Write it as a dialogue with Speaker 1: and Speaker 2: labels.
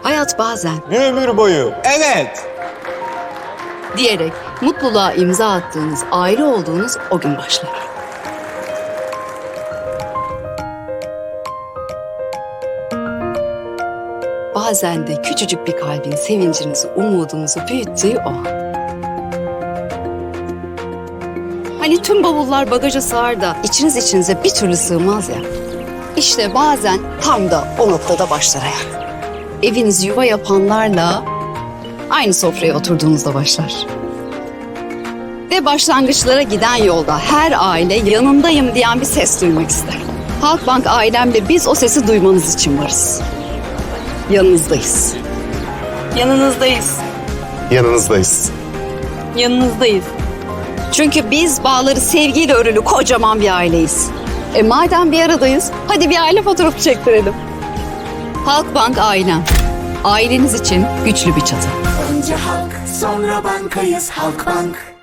Speaker 1: Hayat bazen
Speaker 2: Bir ömür boyu. Evet.
Speaker 1: diyerek mutluluğa imza attığınız, aile olduğunuz o gün başlar. Bazen de küçücük bir kalbin sevincinizi, umudunuzu büyüttüğü o an. Hani tüm bavullar bagaja sığar da içinize bir türlü sığmaz ya. İşte bazen tam da o noktada başlar hayat. Eviniz yuva yapanlarla aynı sofraya oturduğunuzda başlar. Ve başlangıçlara giden yolda her aile yanındayım diyen bir ses duymak ister. Halkbank ailemle biz o sesi duymanız için varız. Yanınızdayız.
Speaker 3: Yanınızdayız.
Speaker 2: Yanınızdayız.
Speaker 3: Yanınızdayız.
Speaker 1: Çünkü biz bağları sevgiyle örülü kocaman bir aileyiz. Madem bir aradayız, hadi bir aile fotoğrafı çektirelim. Halkbank ailem. Aileniz için güçlü bir çatı.
Speaker 4: Önce halk, sonra bankayız Halkbank.